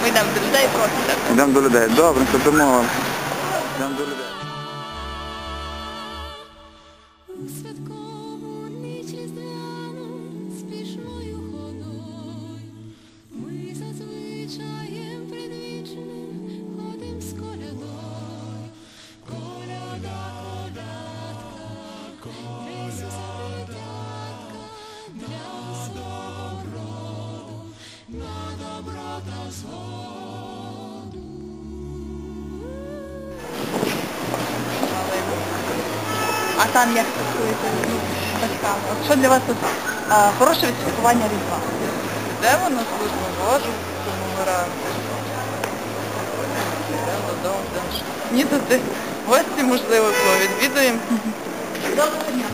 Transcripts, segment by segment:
йдемо до людей просто. Йдемо до людей. Добре, це домовилися. Йдемо до людей. А там як святкуєте батьками? От що для вас тут хороше відсвяткування Різдва? Йдемо на службу Божу, тому вмираємо. Йдемо додому, ні, тут гості, можливо, відвідуємо. Доброго дня.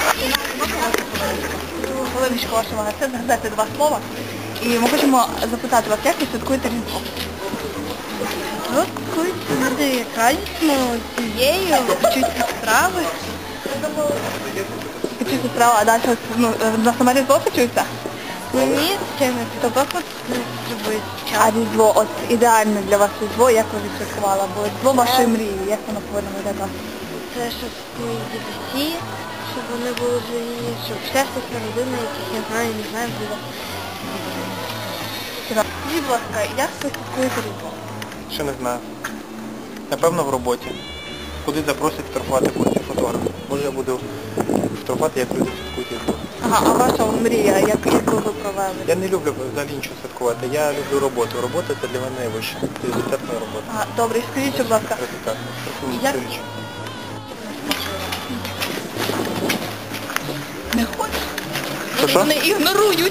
Хвилиночку ваша увага. Це згадати два слова. І ми хочемо запитати вас, як ви святкуєте Різдво? Святкують люди радісно, сім'єю, вчуться страви. Вчуться страви, а далі на саме Різдво вчуться? Ні, чимось, тобто любить час. А Різдво, от ідеальне для вас Різдво, як ви відсвяткували? Бо Різдво вашої мрії, як воно повинно виглядати? Це щоб мої дідусі, щоб вони були живі, щоб щастя родина, яких я знаю, не знаю, буде. Скажіть, будь ласка, як ви святкуєте Різдво? Ще не знаю. Напевно, в роботі. Куди запросять фотографувати потім фотограф. Може я буду фотографувати, як люди святкують Різдво. Ага, а ваша мрія, як ви провели? Я не люблю взагалі нічого святкувати. Я люблю роботу. Робота це для мене найвище. Пріоритетна робота. Ага, добре, скажіть, будь ласка, як... Не хочеш? Що? Вони ігнорують.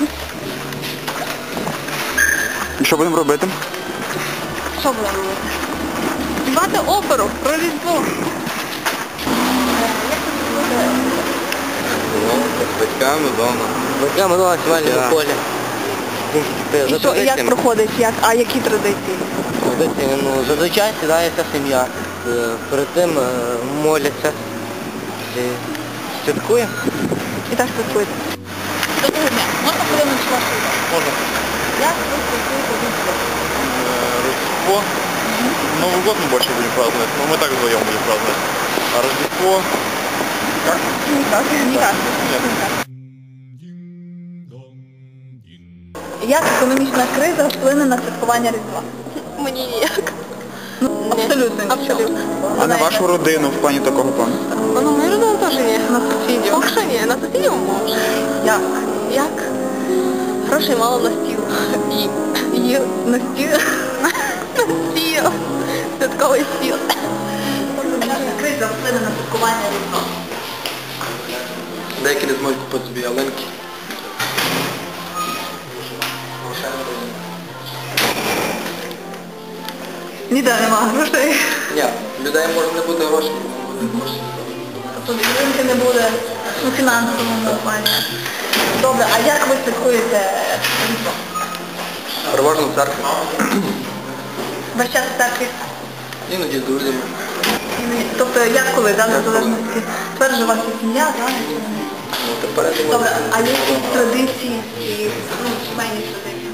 І що будемо робити? Що будемо робити? Співати оперу про Різдво. З батьками вдома. З батьками вдома, сімейному полі. І що, і як проходить? А які традиції? Традиції, зазвичай сідається сім'я. Перед тим моляться. Святкуємо. І так святкуєте. Доброго дня. Можна подивитися вашу ідею? Можна. Як ви святкуєте Різдво? Рождество. Новый год мы больше будем праздновать, но мы так вдвоем будем праздновать. А Рождество... Как? Ніяк. Ніяк. Як економічна криза вплине на святкування Різдва? Мені ніяк. Абсолютно. Абсолютно. А на вашу родину в плані такого плану? Ну, мою родину теж ні. На сусідів? Поки що ні, на сусідів може. Як? Як? Грошей мало на стіл. І На стіл? на стіл. Святковий стіл. Економічна криза вплине на святкування Різдва. Деякі не зможуть купити собі ялинки. Ніде немає грошей. Ні, людей може не бути грошей, буде гроші. Тобто підтримки не буде у фінансовому плані. Добре, а як ви святкуєте Різдво? Переважно в церкві. Весь час в церкві? Іноді з друзями. Тобто як коли, да, в залежності? Тепер же у вас є сім'я, так? Ну, тепер я думаю, Добре, а є якісь традиції і сімейні традиції?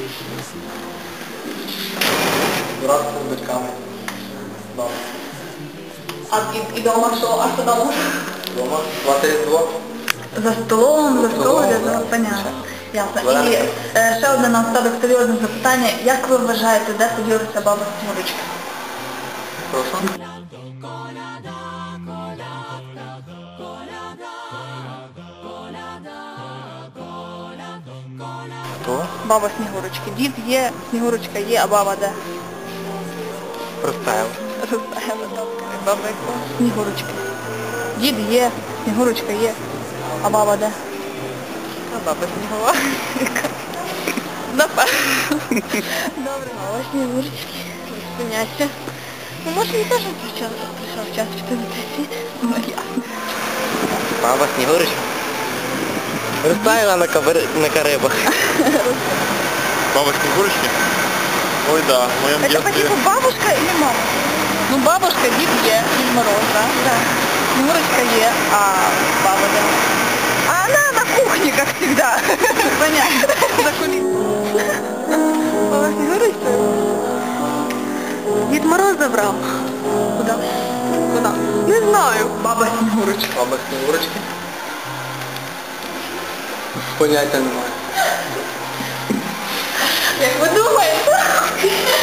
разом з батьками. Дома. А і вдома що? А що вдома? Дома. Свати Різдво. За столом, понятно. Ясно. І ще одне на останок серйозне запитання. Як ви вважаєте, де поділися баба Снігурочка? Прошу. Хто? Баба Снігурочки. Дід є, Снігурочка є, а баба де? Розтаяли. Розставила, добре. Баба яка? Снігурочки. Дід є, Снігурочка є, а баба де? А баба Снігова. Напевно. Добре. Мало Снігурочки. Поняття. Ну, може, він теж прийшов час піти на цей світ. Ну, ясно. Баба Снігурочка. Розтаяла на Карибах. Баба Снегурочки? Ой, да, в моем Это по детстве... типу бабушка или мама? Ну, бабушка, Дід є, Дід Мороз, да? Да. Снегурочка є, а баба да. А она на кухне, как всегда. Понятно. За кулисами. Баба Снегурочка? Баба Снігурочка. Баба Снігурочки? Поняття немає. Як ви думаєте?